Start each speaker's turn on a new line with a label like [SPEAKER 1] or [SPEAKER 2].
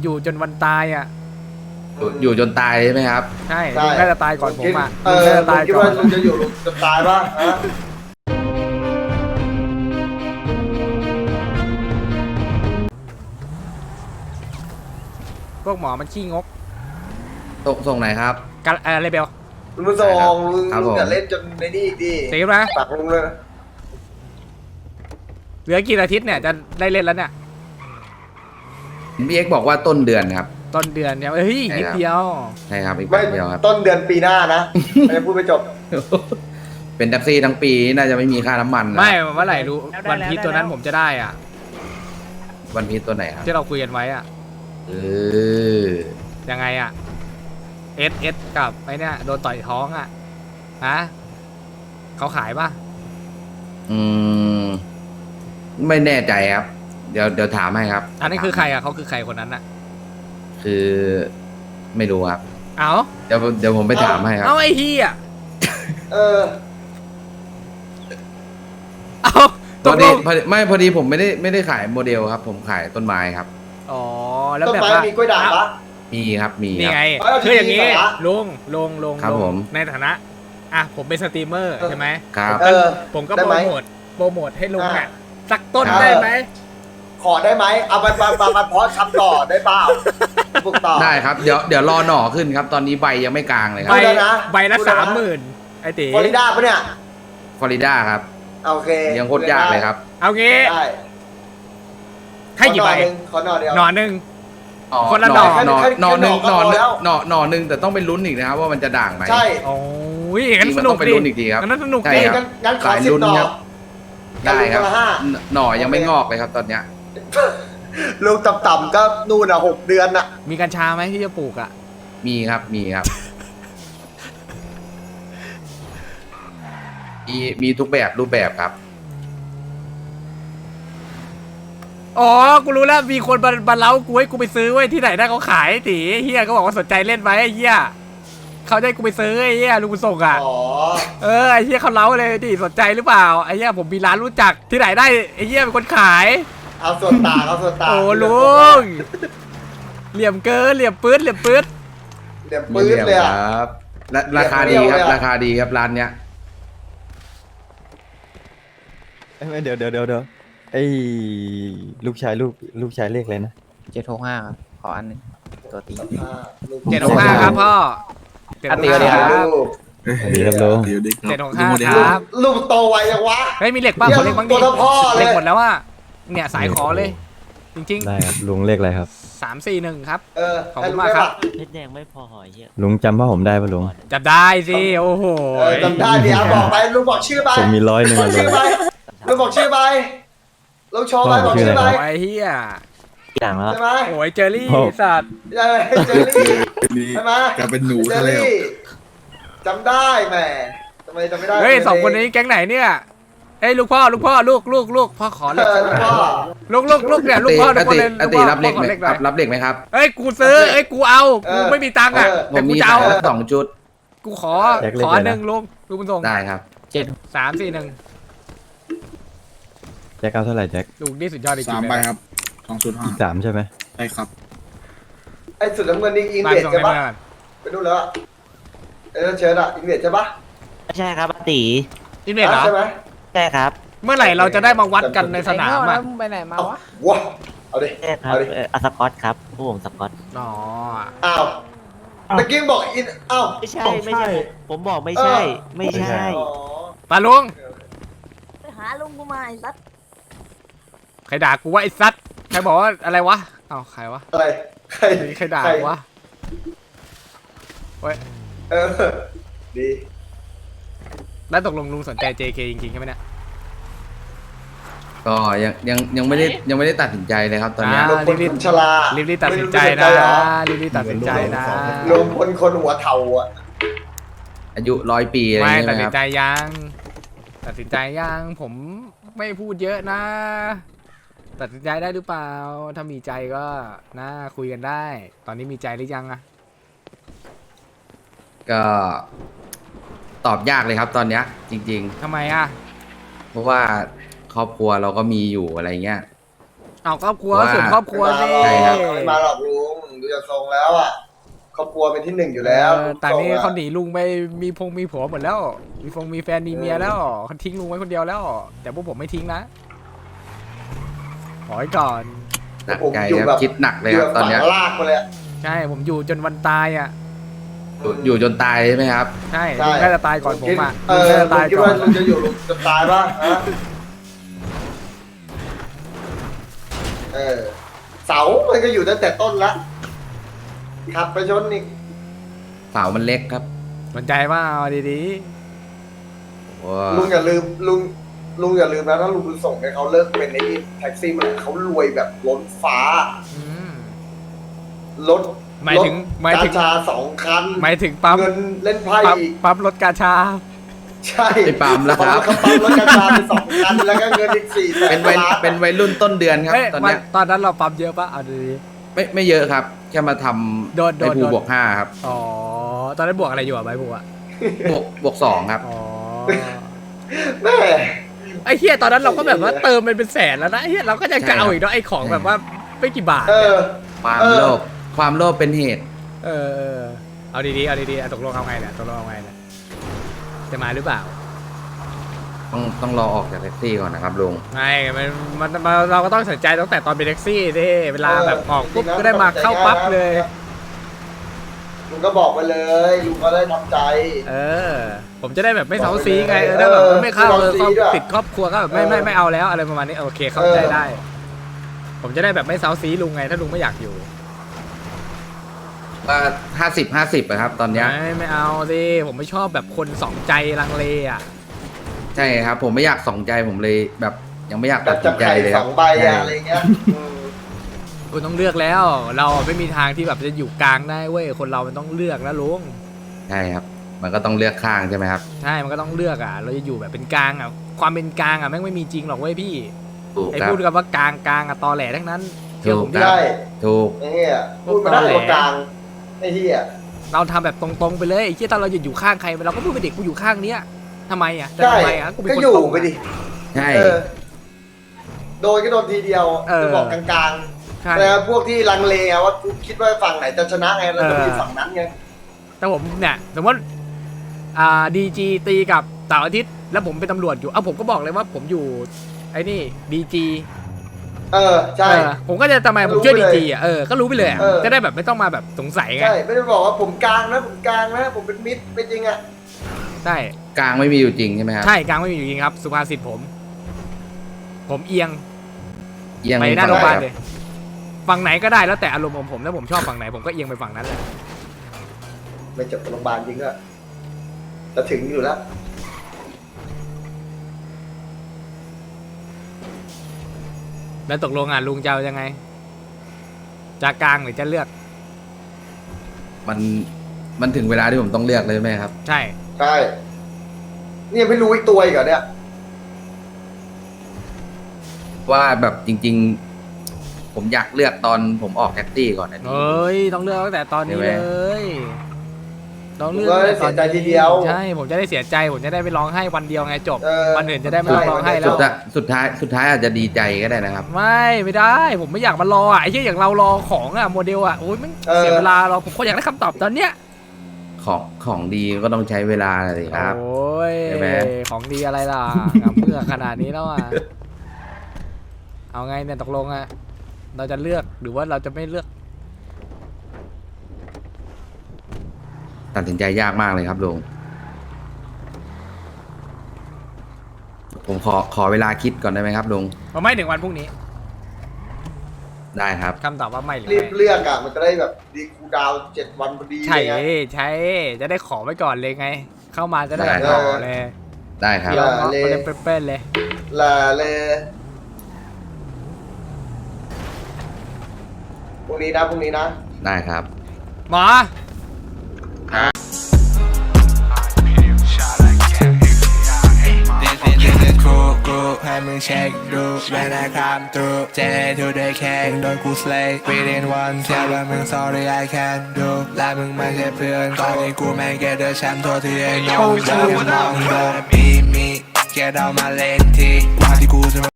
[SPEAKER 1] อยู่จนวันตายอ่ะ
[SPEAKER 2] อยู่จนตายใช่ไหมครับ
[SPEAKER 1] ใช่ลุงน่าจะตายก่อนผมอ่ะ
[SPEAKER 3] เอ
[SPEAKER 1] ลุง
[SPEAKER 3] อ
[SPEAKER 1] น่าจะตาย
[SPEAKER 3] คิด
[SPEAKER 1] ก่อ
[SPEAKER 3] ว่าน ลุงจะอยู่จะตายป่ะฮะ
[SPEAKER 1] พวกหมอมันขี้งก
[SPEAKER 2] ส่งไหนครับ
[SPEAKER 1] กันอะไรเบล
[SPEAKER 3] ลุงมาส่งลุง
[SPEAKER 2] ครับผม
[SPEAKER 3] อย่าเล่นจนในนี่อีกดิ
[SPEAKER 1] เสียไหม
[SPEAKER 3] ปากลุงเลยนะ
[SPEAKER 1] เหลือกี่อาทิตย์เนี่ยจะได้เล่นแล้วเนี่ย
[SPEAKER 2] พี่เอ็กบอกว่าต้นเดือนครับ
[SPEAKER 1] ต้นเดือนเนี่ยเฮ้ย
[SPEAKER 2] ใช่
[SPEAKER 1] นิด
[SPEAKER 2] ครับ
[SPEAKER 1] เดียว
[SPEAKER 2] ใช่ครับอีก
[SPEAKER 3] ไม่
[SPEAKER 2] แป๊บเดียวครับ
[SPEAKER 3] ต้นเดือนปีหน้านะไม่ได้พูดไปจบ
[SPEAKER 2] เป็นแท็กซี่ทั้งปีน่าจะไม่มีค่าน้ำมันนะ
[SPEAKER 1] ไม่เมื่อไหร่รู้วันพีชตัวนั้นผมจะได้อ่ะ
[SPEAKER 2] วันพีชตัวไหนครับ
[SPEAKER 1] ที่เราคุยกันไว้อ่ะ
[SPEAKER 2] เออ
[SPEAKER 1] ยังไงอ่ะเอสกับไอ้เนี่ยโดนต่อยท้องอ่ะฮะเขาขายป่ะ
[SPEAKER 2] อืมไม่แน่ใจครับ เดี๋ยวถามให้ครับ
[SPEAKER 1] อันนี้คือใครอ่ะเขาคือใครคนนั้นอ่ะ
[SPEAKER 2] คือไม่รู้ครับ
[SPEAKER 1] เอา
[SPEAKER 2] เดี๋ยวผมไปถามให้ครับ
[SPEAKER 1] เอาไอ้เฮีย
[SPEAKER 3] เออ
[SPEAKER 1] เอา
[SPEAKER 2] พ
[SPEAKER 1] ต
[SPEAKER 2] อก
[SPEAKER 1] ล
[SPEAKER 2] ดี
[SPEAKER 1] ง
[SPEAKER 2] ไม่พอดีผมไม่ได้ขายโมเดลครับ ผมขายต้นไม้ครับ
[SPEAKER 1] อ๋อแล้ว
[SPEAKER 3] ต้น
[SPEAKER 1] แบบ
[SPEAKER 3] ไม้
[SPEAKER 1] ว่า
[SPEAKER 3] มีกล้วยด่างปะ
[SPEAKER 2] มีครับมี
[SPEAKER 1] นี่
[SPEAKER 2] ครับ
[SPEAKER 1] ไง
[SPEAKER 3] เอ้ยเอา
[SPEAKER 1] คืออย่างนี้
[SPEAKER 3] จริงๆเหรอ
[SPEAKER 1] ลุง
[SPEAKER 2] ครับผม
[SPEAKER 1] ในฐานะอ่ะผมเป็นสตรีมเมอร์ใช่ไหม
[SPEAKER 2] ครับ
[SPEAKER 3] เออ
[SPEAKER 1] ผมก็
[SPEAKER 3] ได้
[SPEAKER 1] โป
[SPEAKER 3] ไหม
[SPEAKER 1] รโมทให้ลุง
[SPEAKER 3] อ่ะ
[SPEAKER 1] อ่ะสักต้น
[SPEAKER 2] ครับ
[SPEAKER 1] ได้ไหม
[SPEAKER 3] ขอได้ไหมเอามาเพาะชำต่อได้เปล่าปลูกต่อ
[SPEAKER 2] ได้ครับ เดี๋ยวรอหน่อขึ้นครับ ตอนนี้ใบยังไม่กลางเลยค
[SPEAKER 1] ใบ
[SPEAKER 2] รับ
[SPEAKER 3] พูดแล้วนะ
[SPEAKER 1] ใบละ
[SPEAKER 3] พูดแล้วนะ
[SPEAKER 1] 30,000ไอ้ตี
[SPEAKER 3] ฟลอริดาปะเนี่ย
[SPEAKER 2] ฟลอริดาครับ
[SPEAKER 3] โอเค
[SPEAKER 2] ยังโคตรยากเลยครับ
[SPEAKER 1] เอางี้
[SPEAKER 3] ได้
[SPEAKER 1] ให้กี่ใบ
[SPEAKER 3] ขอหน่อเดียว
[SPEAKER 1] หนอนหนึ่ง
[SPEAKER 2] อ๋อ
[SPEAKER 1] คนละหน่อ
[SPEAKER 2] หน่อหนึ่ง
[SPEAKER 3] แค่หน่อก็พอแล้ว
[SPEAKER 2] หน่อหนึ่งแต่ต้องเป็นลุ้นอีกนะครับว่ามันจะด่างไหม
[SPEAKER 3] ใช่
[SPEAKER 1] โอ้ยงั้น
[SPEAKER 2] จริง
[SPEAKER 1] ส
[SPEAKER 2] มัน
[SPEAKER 1] นุ
[SPEAKER 2] ต้
[SPEAKER 1] ก
[SPEAKER 2] องไป
[SPEAKER 1] ดิ
[SPEAKER 2] ลุ้นอีกทีครับ
[SPEAKER 1] งั้นสนุก
[SPEAKER 2] ใช่
[SPEAKER 1] ดิ
[SPEAKER 2] ครับ
[SPEAKER 3] งั้นขอ
[SPEAKER 2] สาย
[SPEAKER 3] สิบ
[SPEAKER 2] ลุ้น
[SPEAKER 3] หน่อ
[SPEAKER 2] ครับ ได้ครับ
[SPEAKER 3] กันละห้า
[SPEAKER 2] หน่อยังไม่งอกเลยครับตอนเนี้ย
[SPEAKER 3] ลูกต่ำๆก็นู่นอ่ะ6 เดือนอ่ะ
[SPEAKER 1] มีกัญชาไหมที่จะปลูกอ่ะ
[SPEAKER 2] มีครับมีครับมีทุกแบบรูปแบบครับ
[SPEAKER 1] อ๋อ กูรู้แล้ว มีคนมาเล้ากูให้กูไปซื้อไว้ยที่ไหนได้เขาขายตีเฮียก็บอกว่าสนใจเล่นไหมไอ้เฮียเขาจะให้กูไปซื้อไอ้เฮียลุงบุญส่งอ่ะ
[SPEAKER 3] อ๋อ
[SPEAKER 1] ไอ้เฮียเขาเล้าเลยดิสนใจหรือเปล่า ไอ้เฮียผมมีร้านรู้จักที่ไหนได้ไอ้เฮียเป็นคนขาย
[SPEAKER 3] เอาส่วนต่างเอาส่วนต่าง
[SPEAKER 1] โอ้ลุง เหลี่ยมเกิน เหลี่ยมปื๊ด เหลี่ยมปื๊ด
[SPEAKER 3] เดี๋ยวปื้ดเลยอ่ะ
[SPEAKER 2] ครับและราคาดีครับ
[SPEAKER 3] เรียบเลยอะ
[SPEAKER 2] ราคาดีครับร้านเนี้ย
[SPEAKER 4] ไม่เดี๋ยวไอ้ลูกชายเลขอะไรนะ
[SPEAKER 5] 765ครับขออันหนึงตัวตี
[SPEAKER 1] 765ครับพ่อ
[SPEAKER 5] อ่ะตีก็ดีครับ
[SPEAKER 3] ลูก
[SPEAKER 4] ดีครับลุง
[SPEAKER 1] 765ครับ
[SPEAKER 3] ลูกโตไวยังวะ
[SPEAKER 1] เฮ้ยมีเหล็กบ้างขอเหล็กบ้างดิ
[SPEAKER 3] ตัวเท่าพ่อเลย
[SPEAKER 1] เหล็กหมดแล้วอ่ะเนี่ยสายขอเลย จริง
[SPEAKER 4] ได้ครับลุงเลขอะไรครับ
[SPEAKER 1] ๆ341ครับ
[SPEAKER 3] เออ
[SPEAKER 1] ขอบ
[SPEAKER 3] ให้
[SPEAKER 1] คุณ
[SPEAKER 3] ลูก
[SPEAKER 1] มาก
[SPEAKER 3] ได้
[SPEAKER 1] ครับ
[SPEAKER 3] ปะ
[SPEAKER 5] เพชรแดงไม่พอหอยเหี้ย
[SPEAKER 4] ลุงจำว่าผมได้ปะลุง
[SPEAKER 1] จับได้สิโอ้โห
[SPEAKER 3] เออจำได้ดิอ่ะบอกไปลูกบอกชื่อไป
[SPEAKER 4] ผมมี100
[SPEAKER 3] บอก
[SPEAKER 4] อะลุ
[SPEAKER 3] ชื่อง ไปลูกบอกชื่อไปลูกโชว์ไป
[SPEAKER 4] พ่อ
[SPEAKER 3] บอกชื่อไป
[SPEAKER 4] ชื่ออะไรครับ
[SPEAKER 1] ไอ้เฮีย
[SPEAKER 5] อย่างแล้ว
[SPEAKER 3] ใช่ไหม
[SPEAKER 1] โอ้ยเจอรี่
[SPEAKER 4] พ่อ
[SPEAKER 1] สัตว์
[SPEAKER 3] เออเจอรี่ใช่ไหม
[SPEAKER 6] กลายเป็นหนู
[SPEAKER 3] เจ
[SPEAKER 6] ซะ
[SPEAKER 3] อ
[SPEAKER 6] แล้ว
[SPEAKER 3] รี่จำได้แหมทำไมจำไม่ได้
[SPEAKER 1] เฮ้ยสองคนนี้แก๊งไหนเนี่ยเอ้ยลูกพ่อลูกพ่อขอเห
[SPEAKER 3] เอ
[SPEAKER 1] ล็ก
[SPEAKER 3] อลูกพ่อ
[SPEAKER 1] ลูกเนี่ยลูกพ่อทุกคนเลย
[SPEAKER 2] อ
[SPEAKER 1] ลูก
[SPEAKER 2] ติ
[SPEAKER 1] พ่อ
[SPEAKER 2] รับเหล็ก
[SPEAKER 1] ขอ
[SPEAKER 2] ไหม
[SPEAKER 1] เหล็กห
[SPEAKER 2] ค
[SPEAKER 1] น่
[SPEAKER 2] รั
[SPEAKER 1] อบ ย
[SPEAKER 2] รับเหล็กไหมครับ
[SPEAKER 1] เอ้ยกูซื้อเอ้ยกูเอากูไม่มีตังค์อ่ะ
[SPEAKER 2] ผ
[SPEAKER 1] แต่
[SPEAKER 2] ม
[SPEAKER 1] กู
[SPEAKER 2] มี
[SPEAKER 1] จะเอา
[SPEAKER 2] สองชุด
[SPEAKER 1] กูขอ
[SPEAKER 4] แจ็คเล็ก
[SPEAKER 1] ขอ
[SPEAKER 4] เลยนะ
[SPEAKER 1] หนึ่งลุงบุญส่ง
[SPEAKER 2] ได้ครับ
[SPEAKER 1] 341
[SPEAKER 4] แจ็คเอาเท่าไหร่แจ็ค
[SPEAKER 1] ลุงนี่สุดยอดจริงๆ
[SPEAKER 6] 3
[SPEAKER 1] เลย
[SPEAKER 6] ใบ
[SPEAKER 1] นะครับ
[SPEAKER 6] 2.5
[SPEAKER 4] อีก3ใช่ไหม
[SPEAKER 6] ใช่ครับ
[SPEAKER 3] ไอ้สุดน้ำเงินนี่อิน
[SPEAKER 1] บ้าน
[SPEAKER 3] เดีย
[SPEAKER 1] ส่ง
[SPEAKER 3] ใช่
[SPEAKER 1] ให้
[SPEAKER 3] ปะ
[SPEAKER 1] เมื่อ
[SPEAKER 3] ไปดูแล้วอะไอ้นั่นเชิญอะอินเดียใช่ปะ
[SPEAKER 5] ไม่ใช่ครับอาตี
[SPEAKER 1] อินเวสเหรอ
[SPEAKER 3] ใช่ไหม
[SPEAKER 5] ใช่ครับ
[SPEAKER 1] เมื่อไหร่เราจะได้มาวัดกันในสนามอ่ะ
[SPEAKER 7] ไปไหนมา
[SPEAKER 3] เอา
[SPEAKER 7] วะ
[SPEAKER 3] ว้าเอาดิ
[SPEAKER 5] ใช่ครับ
[SPEAKER 3] เอาดิ
[SPEAKER 5] อัสกอตครับผู้ผมสกอต
[SPEAKER 1] อ๋อ
[SPEAKER 3] อ้าวตะกี้บอกอินอ้าว
[SPEAKER 5] ไม่ใช่ไม่ใช่ ผมบอกไม่ใช่ ไม่ใช่
[SPEAKER 3] อ๋อ
[SPEAKER 1] ตาลุง
[SPEAKER 7] ไปหาลุงกูมาไอ้สัส
[SPEAKER 1] ใครด่ากูว่าไอ้ซัดใครบอกว่าอะไรวะเอ้าใครวะ
[SPEAKER 3] อะไรใคร
[SPEAKER 1] ใครด่ากูวะเว้ย
[SPEAKER 3] เออดี
[SPEAKER 1] แล้วตกลงลุงสนใจ JK จริงๆใช่ไหมเนี่ย
[SPEAKER 2] ก็ยังไม่ได้ตัดสินใจเลยครับตอนเนี้ย
[SPEAKER 1] อ่า
[SPEAKER 3] ลงพลคนชรา
[SPEAKER 1] รีบๆตัดสินใจ
[SPEAKER 3] ไม่
[SPEAKER 1] นะ
[SPEAKER 3] รู้สใจเหรอ
[SPEAKER 1] รีบๆตัดสินใจนะ
[SPEAKER 3] ลงพลคนหัวเทาอ่ะ
[SPEAKER 2] อายุ100 ปีอะไรอ
[SPEAKER 1] ไม่
[SPEAKER 2] ย่างเงี้ย
[SPEAKER 1] ตัด
[SPEAKER 2] ไหม
[SPEAKER 1] สิ
[SPEAKER 2] คน รับ
[SPEAKER 1] ใจยังตัดสินใจยังผมไม่พูดเยอะนะ ตัดสินใจได้หรือเปล่า ถ้ามีใจก็นะคุยกันได้ ตอนนี้มีใจหรือยังอะ
[SPEAKER 2] ก็ตอบยากเลยครับตอนเนี้ยจริง
[SPEAKER 1] ทำไมอะ
[SPEAKER 2] ๆ เพราะว่าครอบครัวเราก็มีอยู่อะไรเงี้ย
[SPEAKER 1] เอาครอบครัว
[SPEAKER 2] ว่า
[SPEAKER 1] ส่วนครอบครัวสิ
[SPEAKER 2] ใช่ครับ
[SPEAKER 3] ไม่มาหรอกลุงดูจากทรงแล้วอ่ะครอบครัวเป็นที่หนึ่งอยู่แล้ว
[SPEAKER 1] แต่นี่
[SPEAKER 3] ทรงอะ
[SPEAKER 1] เขาหนีลุงไปมีผัวหมดแล้ว มีแฟนมีเมียแล้วเขาทิ้งลุงไว้คนเดียวแล้ว แต่พวกผมไม่ทิ้งนะขอไว้ก่อน
[SPEAKER 2] หนักใจครับคิดหนักเลยครับตอนเนี้ย
[SPEAKER 3] ฝังลากมาเลยอะ
[SPEAKER 1] ใช่ผมอยู่จนวันตายอ่ะ
[SPEAKER 2] อยู่จนตายใช่ไหมครับ
[SPEAKER 1] ใช่ลุงน่าจะตายก่อนผมอ่ะ
[SPEAKER 3] เอ
[SPEAKER 1] ลุง
[SPEAKER 3] อ
[SPEAKER 1] น่าจะ
[SPEAKER 3] ผม
[SPEAKER 1] ตาย
[SPEAKER 3] คิด
[SPEAKER 1] ก่อ
[SPEAKER 3] ว่าน ลุงจะอยู่ลุงจะตายป่ะฮะเสามันก็อยู่ตั้งแต่ต้นละขับไปชนอีก
[SPEAKER 2] เสามันเล็กครับ
[SPEAKER 1] สนใจว่าเอาดี
[SPEAKER 2] ว้า
[SPEAKER 3] ลุงอย่าลืมลุงอย่าลืมนะถ้าลุงส่งให้เขาเลิกเป็นไอ้นี่แท็กซี่มันเขารวยแบบล้นฟ้า
[SPEAKER 1] ๆอืม
[SPEAKER 3] รถ
[SPEAKER 1] หมายถึง
[SPEAKER 3] กาชา2 คัน
[SPEAKER 1] หมายถึงปั๊ม
[SPEAKER 3] เงินเล่นไพ่
[SPEAKER 1] ปั๊ม
[SPEAKER 3] อีก
[SPEAKER 1] ปั๊มรถกาชา
[SPEAKER 3] ใช่
[SPEAKER 2] ไปปั๊มแล้วครับ
[SPEAKER 3] ปั๊มรถกาชาไป2 คันแล้วก็เงินอีก4 แส
[SPEAKER 2] เป็น
[SPEAKER 3] น
[SPEAKER 2] วัย
[SPEAKER 3] ล้าน
[SPEAKER 2] เป็นวัยรุ่นต้นเดือนครับ
[SPEAKER 1] เฮ้ย
[SPEAKER 2] ตอนเนี้ย
[SPEAKER 1] ตอนนั้นเราปั๊มเยอะปะเอาดี
[SPEAKER 2] ไม่เยอะครับ แค่มาท
[SPEAKER 1] โดน
[SPEAKER 2] ำในภู
[SPEAKER 1] โดน
[SPEAKER 2] บวก5ครับ
[SPEAKER 1] ๆอ๋อตอนนั้นบวกอะไรอยู่อะใบบัว
[SPEAKER 2] บวก2ครับ
[SPEAKER 1] อ๋อ
[SPEAKER 3] แม่
[SPEAKER 1] ไอ้เฮียตอนนั้นเราก็แบบว่าเติมเป็นแสนแล้วนะไอ้เฮียเราก็ยังจะเอาอีกเนาะไอ้ของแบบว่าไม่กี่บาท
[SPEAKER 3] เอ
[SPEAKER 1] เนี่ย
[SPEAKER 3] อ
[SPEAKER 2] ความโลภเป็นเหตุ
[SPEAKER 1] เออเอาดีๆเอาดีๆเอาตกลงเอาไงเนี่ยตกลงเอาไงเนี่ยจะมาหรือเปล่า
[SPEAKER 2] ต้องรอออกจากแท็กซี่ก่อนนะครับลุง
[SPEAKER 1] ไม่มันเราก็ต้องสนใจตั้งแต่ตอนเป็นแท็กซี่ดิเวลาแบบออกปุ๊บก็ได้มาเข้าปั๊บเลย
[SPEAKER 3] ลุงก็บอกไปเลยลุงก็ได้ทำใจ
[SPEAKER 1] เออ ผมจะได้แบบไม่เซาซีไงถ้าแบบไม่เข้า
[SPEAKER 3] ไม่เซาซีด้วย
[SPEAKER 1] ติดครอบครัวก็แบบไม่เอาแล้วอะไรประมาณนี้โอเคเข้าใจได้ ผมจะได้แบบไม่เซาซีลุงไงถ้าลุงไม่อยากอยู่
[SPEAKER 2] ว่า50-50อะครับ ตอนเนี้ย
[SPEAKER 1] ไม่เอาสิผมไม่ชอบแบบคนสองใจลังเลอ่ะ
[SPEAKER 2] ใช่ครับ ผมไม่อยากสองใจผมเลยแบบยังไม่อยาก
[SPEAKER 3] แบ
[SPEAKER 2] ตั
[SPEAKER 3] บ
[SPEAKER 2] ดสิ
[SPEAKER 3] จับ
[SPEAKER 2] นใจ
[SPEAKER 3] ไข่
[SPEAKER 2] เลยค
[SPEAKER 3] ส
[SPEAKER 2] รั
[SPEAKER 3] อบ งใบ
[SPEAKER 2] ใช่
[SPEAKER 3] อะไรเงี้ยอืม
[SPEAKER 1] คุณต้องเลือกแล้ว เราไม่มีทางที่แบบจะอยู่กลางได้เว้ยคนเรามันต้องเลือกนะลุง
[SPEAKER 2] ใช่ครับ มันก็ต้องเลือกข้างใช่ไหมครับ
[SPEAKER 1] ใช่มันก็ต้องเลือกอ่ะ เราจะอยู่แบบเป็นกลางอ่ะความเป็นกลางอ่ะแม่งไม่มีจริงหรอกเว้ยพี่
[SPEAKER 2] ถูก
[SPEAKER 1] ไอ้
[SPEAKER 2] ครับ
[SPEAKER 1] พูดกันว่ากลางอ่ะตอแหลทั้งนั้นเชื่อผมดิ
[SPEAKER 2] ถูกครับ
[SPEAKER 3] ได้
[SPEAKER 2] ถูก
[SPEAKER 3] ไอ้เหี้ยพูดมาได้ตรงกลางไอ้เหี้ย
[SPEAKER 1] เราทำแบบตรงๆไปเลยไอ้ที่ตอนเราอยู่ข้างใครเราก็พูดไปเด็กกูอยู่ข้างเนี้ยทำไมอ่ะแต่
[SPEAKER 3] ใช่
[SPEAKER 1] ทำไมอ่ะกูเป็น
[SPEAKER 3] ก็
[SPEAKER 1] คน
[SPEAKER 3] อยู่
[SPEAKER 1] ตรง
[SPEAKER 3] ไปดิ
[SPEAKER 2] ใช่
[SPEAKER 3] เออโดนก็โดนทีเดียว
[SPEAKER 1] เออ
[SPEAKER 3] จะบอกกลาง
[SPEAKER 1] ใช่
[SPEAKER 3] ๆแต่พวกที่ลังเลอะว่ากูคิดว่าฝั่งไหนจะชนะไงเราจะมีฝั่งนั้นไง
[SPEAKER 1] แต่ผมเนี่ยสมมติดีจีตีกับเสาร์อาทิตย์แล้วผมเป็นตำรวจอยู่ผมก็บอกเลยว่าผมอยู่ไอ้นี่ดีจี
[SPEAKER 3] เออใช่
[SPEAKER 1] ผมก็จะทำไมผมช่วย
[SPEAKER 3] รู้
[SPEAKER 1] ดี
[SPEAKER 3] ไปเลย
[SPEAKER 1] จีก็รู้ไปเลยอะ
[SPEAKER 3] เออ
[SPEAKER 1] จะได้แบบไม่ต้องมาแบบสงสัยไง
[SPEAKER 3] ใช่ไม่ได้บอกว่าผมกลางนะผมกลางนะผมเป็นมิตรเป็นจริงอะ
[SPEAKER 1] ใช่
[SPEAKER 2] กลางไม่มีอยู่จริงใช่ไหมครับ
[SPEAKER 1] ใช่กลางไม่มีอยู่จริงครับ สุภาษิตผมเอียง
[SPEAKER 2] เอียง
[SPEAKER 1] ไปหน้าโรงพยาบาล
[SPEAKER 2] ฝั่งไหน
[SPEAKER 1] เลยฝั่งไหนก็ได้แล้วแต่อารมณ์ของผมถ้าผมชอบฝั่งไหนผมก็เอียงไปฝั่งนั้นแหละ
[SPEAKER 3] ไม่เจ็บโรงพยาบาลจริงอะจะถึงอยู่แล้ว
[SPEAKER 1] แล้วตกลงลุงจะเอายังไงจะกลางหรือจะเลือก
[SPEAKER 2] มันถึงเวลาที่ผมต้องเลือกเลยใช่ไหมครับ
[SPEAKER 1] ใช่
[SPEAKER 3] ใช่เนี่ยไม่รู้อีกตัวอีกเหรอเนี่ย
[SPEAKER 2] ว่าแบบจริง ๆ ผมอยากเลือกตอนผมออกแท็กซี่ก่อนนะ
[SPEAKER 1] เอ้ยต้องเลือกตั้งแต่ตอนนี้
[SPEAKER 2] ใช่ไหม
[SPEAKER 1] เลยต้องเลือก
[SPEAKER 3] ผมก็ได้เสียใจทีเดียว
[SPEAKER 1] ใช่ผมจะได้เสียใจผมจะได้ไปร้องไห้วันเดียวไงจบ
[SPEAKER 3] เออ
[SPEAKER 1] วันอื่นจะได้ไม่ต้องร้องไห้แล้
[SPEAKER 2] สุ
[SPEAKER 1] ว
[SPEAKER 2] ดท้ายอาจจะดีใจก็ได้นะครับ
[SPEAKER 1] ไม่ได้ ผมไม่อยากมารอไอ้ที่อย่างเรารอของโมเดลโอ้ยมันเสียเวลารอผมก็อยากได้คำตอบตอนเนี้ย
[SPEAKER 2] ของดีก็ต้องใช้เวลาเลยครับ
[SPEAKER 1] โอ้ย
[SPEAKER 2] ใช่ไหม
[SPEAKER 1] ของดีอะไรล่ะงามเมื่อขนาดนี้แล้วเอาไงเนี่ยตกลงเราจะเลือกหรือว่าเราจะไม่เลือก
[SPEAKER 2] ตัดสินใจยากมากเลยครับลุงผมขอเวลาคิดก่อนได้ไหมครับลุง
[SPEAKER 1] ไม่ถึงวันพรุ่งนี้
[SPEAKER 2] ได้ครับ
[SPEAKER 1] คำตอบว่าไม่หรือ
[SPEAKER 3] รีบ
[SPEAKER 1] ไม่
[SPEAKER 3] เลือกอะมันจะได้แบบดีคูลดาวน์7 วันพอดี
[SPEAKER 1] ใช่
[SPEAKER 3] เลยไง
[SPEAKER 1] ใช่จะได้ขอไว้ก่อนเลยไง เข้ามาจะได้
[SPEAKER 2] ได้
[SPEAKER 1] ขอเลย
[SPEAKER 2] ได้ครับ
[SPEAKER 1] เดี๋ยวเนาะไปเลยเป้นๆเลย
[SPEAKER 3] ลาเลยพรุ่งนี้นะ
[SPEAKER 2] ได้ครับ
[SPEAKER 1] หมอ
[SPEAKER 6] ให้มึงเช็คดูเวลาคำตรูเจทูได้แค่โดนกูสเลย์ within one เชื่อว่ามึง sorry I can do และมึงไม่ใช่เพื่อนตอนนี้กูแม่งเกเดอร์แชมป์ตัวที่ไอ้น้องจะมองโดนมี get out my lane ทีว่าที่กูจะ